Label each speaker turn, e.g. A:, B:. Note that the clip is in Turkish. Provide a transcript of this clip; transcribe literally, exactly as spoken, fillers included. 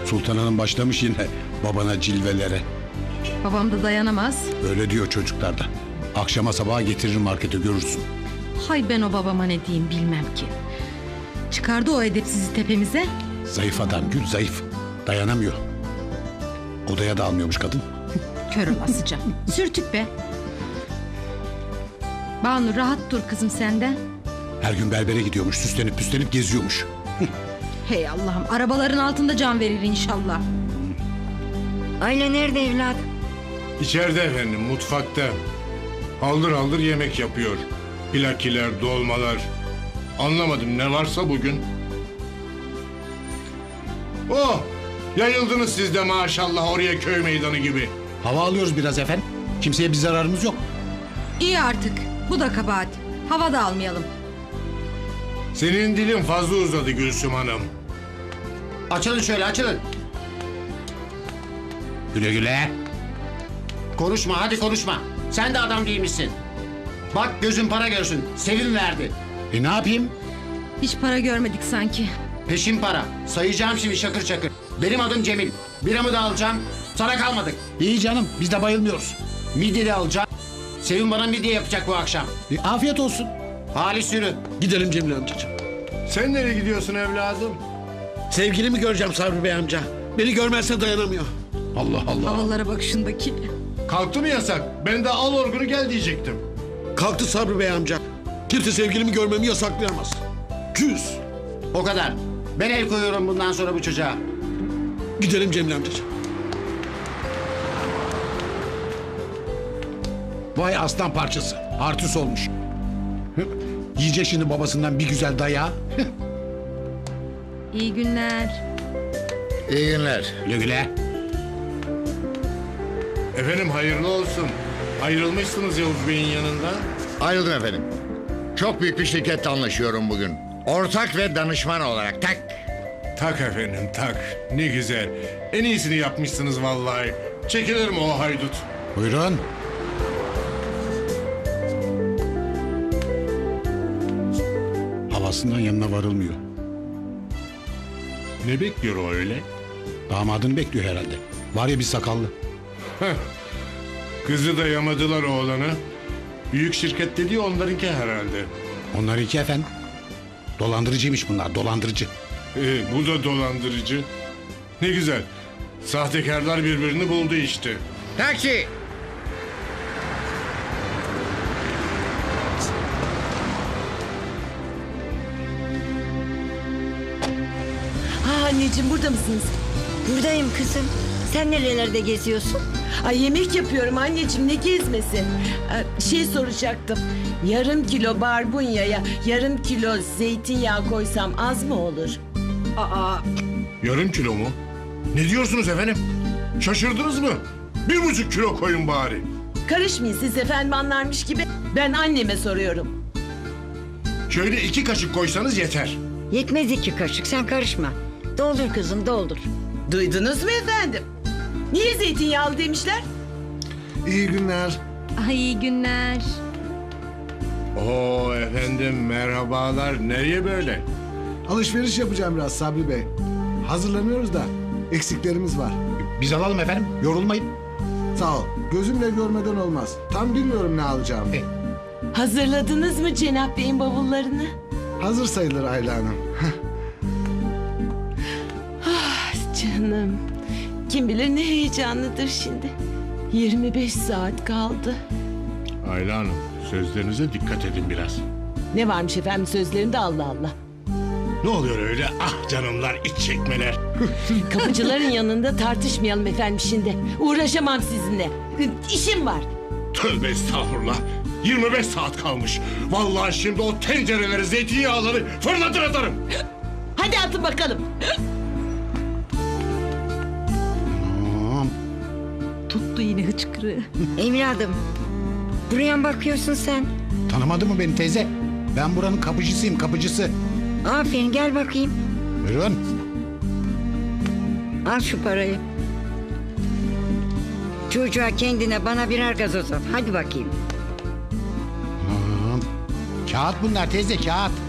A: Sultan Hanım başlamış yine babana cilvelere.
B: Babam da dayanamaz.
A: Öyle diyor çocuklar da. Akşama sabaha getirir markete, görürsün.
B: Hay ben o babama ne diyeyim bilmem ki. Çıkardı o edepsizi tepemize.
A: Zayıf adam Gül, zayıf. Dayanamıyor. Odaya da almıyormuş kadın.
B: Kör olasıca. Sürtük be. Banu rahat dur kızım senden.
A: Her gün berbere gidiyormuş, süslenip püslenip geziyormuş.
B: Hey Allah'ım, arabaların altında can verir inşallah.
C: Ayla nerede evladım?
D: İçeride efendim, mutfakta. Aldır aldır yemek yapıyor. Plakiler, dolmalar. Anlamadım, ne varsa bugün. Oh! Yayıldınız siz de maşallah oraya, köy meydanı gibi.
A: Hava alıyoruz biraz efendim. Kimseye bir zararımız yok.
B: İyi artık. Bu da kabahat. Hava da almayalım.
D: Senin dilin fazla uzadı Gülsüm Hanım.
E: Açılın şöyle, açılın.
A: Güle güle.
E: Konuşma, hadi konuşma. Sen de adam değilmişsin. Bak gözün para görsün. Sevim verdi.
A: E ne yapayım?
B: Hiç para görmedik sanki.
E: Peşin para. Sayacağım şimdi şakır şakır. Benim adım Cemil. Biramı da alacağım. Sana kalmadık.
A: İyi canım, biz de bayılmıyoruz.
E: Midye de alacağım. Sevim bana midye yapacak bu akşam.
A: E, afiyet olsun.
E: Halis yürü.
F: Gidelim Cemil amcacığım.
D: Sen nereye gidiyorsun evladım?
F: Sevgilimi göreceğim Sabri Bey amca. Beni görmezse dayanamıyor.
A: Allah Allah.
B: Havalara bak şundaki.
D: Kalktı mı yasak? Ben de al orgunu gel diyecektim.
F: Kalktı Sabri Bey amca. Kimse sevgilimi görmemi yasaklayamaz. Küs.
E: O kadar. Ben el koyuyorum bundan sonra bu çocuğa.
F: Gidelim Cemil amcacığım.
A: Vay aslan parçası. Artist olmuş. Hı, yiyecek şimdi babasından bir güzel dayağı.
B: İyi günler.
G: İyi günler.
A: Güle güle.
D: Efendim hayırlı olsun. Ayrılmışsınız Yavuz Bey'in yanında.
G: Ayrıldım efendim. Çok büyük bir şirketle anlaşıyorum bugün. Ortak ve danışman olarak tak.
D: Tak efendim tak. Ne güzel. En iyisini yapmışsınız vallahi. Çekilir mi o haydut?
A: Buyurun. Havasından yanına varılmıyor.
D: Ne bekliyor o öyle?
A: Damadını bekliyor herhalde. Var ya bir sakallı.
D: Heh. Kızı da yamadılar oğlanı. Büyük şirket dediği onlarınki herhalde.
A: Onlar iki efendim. Dolandırıcıymış bunlar, dolandırıcı.
D: Ee, bu da dolandırıcı. Ne güzel. Sahtekarlar birbirini buldu işte.
G: Taksi.
C: Ha anneciğim burada mısınız? Buradayım kızım. Sen nerelerde geziyorsun?
H: Ay yemek yapıyorum anneciğim, ne gezmesi? Ee, Şey soracaktım. Yarım kilo barbunyaya yarım kilo zeytinyağı koysam az mı olur?
B: Aa,
D: Yarım kilo mu? Ne diyorsunuz efendim? Şaşırdınız mı? Bir buçuk kilo koyun bari.
H: Karışmayın siz efendim, anlarmış gibi. Ben anneme soruyorum.
D: Şöyle iki kaşık koysanız yeter.
C: Yetmez iki kaşık, sen karışma. Doldur kızım, doldur.
H: Duydunuz mu efendim? Niye zeytinyağlı demişler?
F: İyi günler.
B: ay iyi günler.
D: Oo efendim merhabalar. Nereye böyle?
I: Alışveriş yapacağım biraz Sabri Bey. Hazırlanıyoruz da eksiklerimiz var.
A: Biz alalım efendim, yorulmayın.
I: Sağ ol. Gözümle görmeden olmaz. Tam bilmiyorum ne alacağım.
A: E.
H: Hazırladınız mı Cenap Bey'in bavullarını?
I: Hazır sayılır Ayla Hanım.
H: Ah canım. Kim bilir ne heyecanlıdır şimdi. yirmi beş saat kaldı.
D: Ayla Hanım sözlerinize dikkat edin biraz.
H: Ne varmış efendim sözlerinde, Allah Allah.
D: Ne oluyor öyle? Ah canımlar, iç çekmeler.
H: Kapıcıların yanında tartışmayalım efendim şimdi. Uğraşamam sizinle. İşim var.
D: Tövbe estağfurullah. yirmi beş saat kalmış. Vallahi şimdi o tencereleri, zeytinyağları fırlatır atarım.
H: Hadi atın bakalım.
A: Tamam.
B: Tuttu yine hıçkırığı.
C: Evladım, buraya mı bakıyorsun sen?
A: Tanımadı mı beni teyze? Ben buranın kapıcısıyım, kapıcısı.
C: Aferin, gel bakayım.
A: Buyurun.
C: Al şu parayı. Çocuğa, kendine, bana birer gazoz al. Hadi bakayım.
A: Tamam. Kağıt bunlar teyze, kağıt.